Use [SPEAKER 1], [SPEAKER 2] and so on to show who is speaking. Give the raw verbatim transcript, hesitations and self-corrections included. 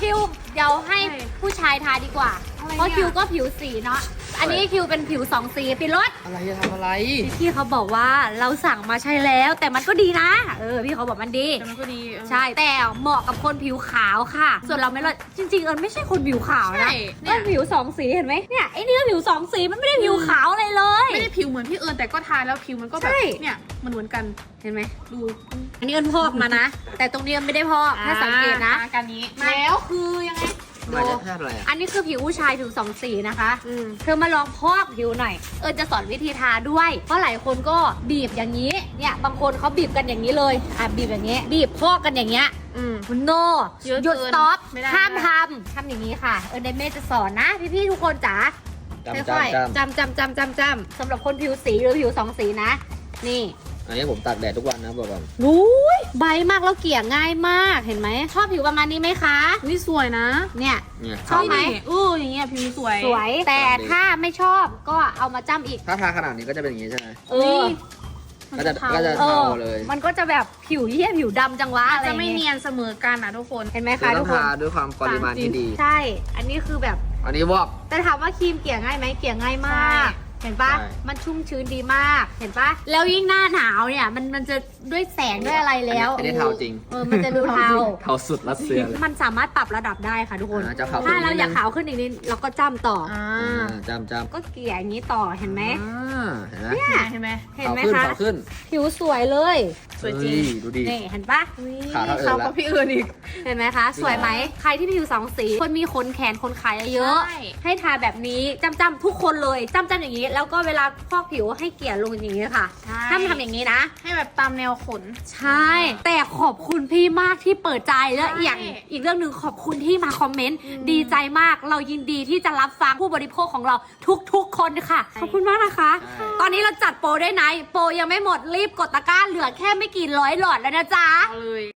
[SPEAKER 1] คิวเดี๋ยวให้ผู้ชายทาดีกว่าเพราะคิวก็ผิวสีเนาะอันนี้คิวเป็นผิวสองสีปิดรถ
[SPEAKER 2] อะไรจะทำอะไร
[SPEAKER 1] พี่เขาบอกว่าเราสั่งมาใช้แล้วแต่มันก็ดีนะเออพี่เขาบอกมันดี
[SPEAKER 2] แต่มันก็ดี
[SPEAKER 1] ใช่แต่เหมาะกับคนผิวขาวค่ะส่วนเราไม่รอดจริงๆเอิญไม่ใช่คนผิวขาวนะเอิญผิวสองสีเห็นไหมเนี่ยไอ้นี่ก็ผิวสองสีมันไม่ได้ผิวขาวอะไรเลย
[SPEAKER 2] ไม่ได้ผิวเหมือนพี่เอิญแต่ก็ทาแล้วผิวมันก็แบบเนี่ยมันเหมือนกัน
[SPEAKER 1] เห็นไหม
[SPEAKER 2] ดู
[SPEAKER 1] อันนี้เอิญพอกมานะแต่ตรงนี้เอิญไม่ได้พอกถ้าสังเกตนะ
[SPEAKER 2] การนี้แล้วคือยังไง
[SPEAKER 1] ดูอันนี้คือผิวผู้ชายผิวสองสีนะคะเธอมาลองพอกผิวหน่อยเอิญจะสอนวิธีทาด้วยเพราะหลายคนก็บีบอย่างนี้เนี่ยบางคนเขาบีบกันอย่างนี้เลยอ่ะบีบอย่างนี้บีบพอกกันอย่างเงี้ยคุณโนหยุดสต็อปห้ามทำทำอย่างนี้ค่ะเอิญเดเม่จะสอนนะพี่ๆทุกคนจ๋าค่อยๆจำจำจำจำจำสำหรับคนผิวสีหรือผิวสองสีนะนี่
[SPEAKER 3] อันนี้ผมตากแดดทุกวันนะบอกก่อน
[SPEAKER 1] รู้ใบมากแล้วเกลี่ยง่ายมากเห็นไหมชอบผิวประมาณนี้ไหมคะ
[SPEAKER 2] นี่สวยนะ
[SPEAKER 1] เนี่ยชอบไหม
[SPEAKER 2] อู้อย่างเงี้ยผิวสวย
[SPEAKER 1] สวยแต่ถ้าไม่ชอบก็เอามาจ้ำอีก
[SPEAKER 3] ถ้าทาขนาดนี้ก็จะเป็นอย่างนี้ใช่ไหม
[SPEAKER 1] เออ
[SPEAKER 3] ก็จะก็จะเทาเลย
[SPEAKER 1] มันก็จะแบบผิวเหี้ยผิวดำจังวะอะไร
[SPEAKER 2] จะไม่เนียนเสมอกันอ่ะทุกคน
[SPEAKER 1] เห็นไหมคะทุกคน
[SPEAKER 3] ทาด้วยความปริมาณที่ดี
[SPEAKER 1] ใช่อันนี้คือแบบ
[SPEAKER 3] อันนี้วอก
[SPEAKER 1] แต่ถามว่าครีมเกลี่ยง่ายไหมเกลี่ยง่ายมากเห็นปะมันชุ่มชื้นดีมากเห็นปะแล้วยิ่งหน้าหนาวเนี่ยมันมันจะด้วยแสงด้วยอะไรแล้ว
[SPEAKER 3] อันนี้เทาจริง
[SPEAKER 1] เออมันจะดูเทา
[SPEAKER 3] เทาสุดรัสเซียเลย
[SPEAKER 1] มันสามารถปรับระดับได้ค่ะทุกคน
[SPEAKER 3] ถ้า
[SPEAKER 1] เราอยากขาวขึ้นอีกนิดเราก็จ้ำต่อ
[SPEAKER 3] จ้ำจ้ำ
[SPEAKER 1] ก็เกลี่ยอย่างนี้ต่อเห็นไหม
[SPEAKER 2] เนี่ยเห็นไหม
[SPEAKER 1] เห็นไหมคะผิวสวยเลย
[SPEAKER 2] สวยจริง
[SPEAKER 3] ดูดิ
[SPEAKER 1] นี่เห็นปะ
[SPEAKER 3] ขาวเท่าเอิญแล้ว
[SPEAKER 2] พี่เอิญอีก
[SPEAKER 1] เห็นไหมคะสวยไหมใครที่ผิวสองสีคนมีขนแขนขนขาเยอะให้ทาแบบนี้จ้ำจ้ำทุกคนเลยจ้ำจ้ำอย่างนี้แล้วก็เวลาพอกผิวให้เกลี่ยลงอย่างนี้ค่ะห้ามทำอย่างนี้นะ
[SPEAKER 2] ให้แบบตามแนวขน
[SPEAKER 1] ใช่แต่ขอบคุณพี่มากที่เปิดใจและอย่างอีกเรื่องหนึ่งขอบคุณที่มาคอมเมนต์ดีใจมากเรายินดีที่จะรับฟังผู้บริโภคของเราทุกๆคนค่ะขอบคุณมากนะคะตอนนี้เราจัดโปรได้ไหนโปรยังไม่หมดรีบกดตะกร้าเหลือแค่ไม่กี่ร้อยหลอดแล้วนะจ๊ะ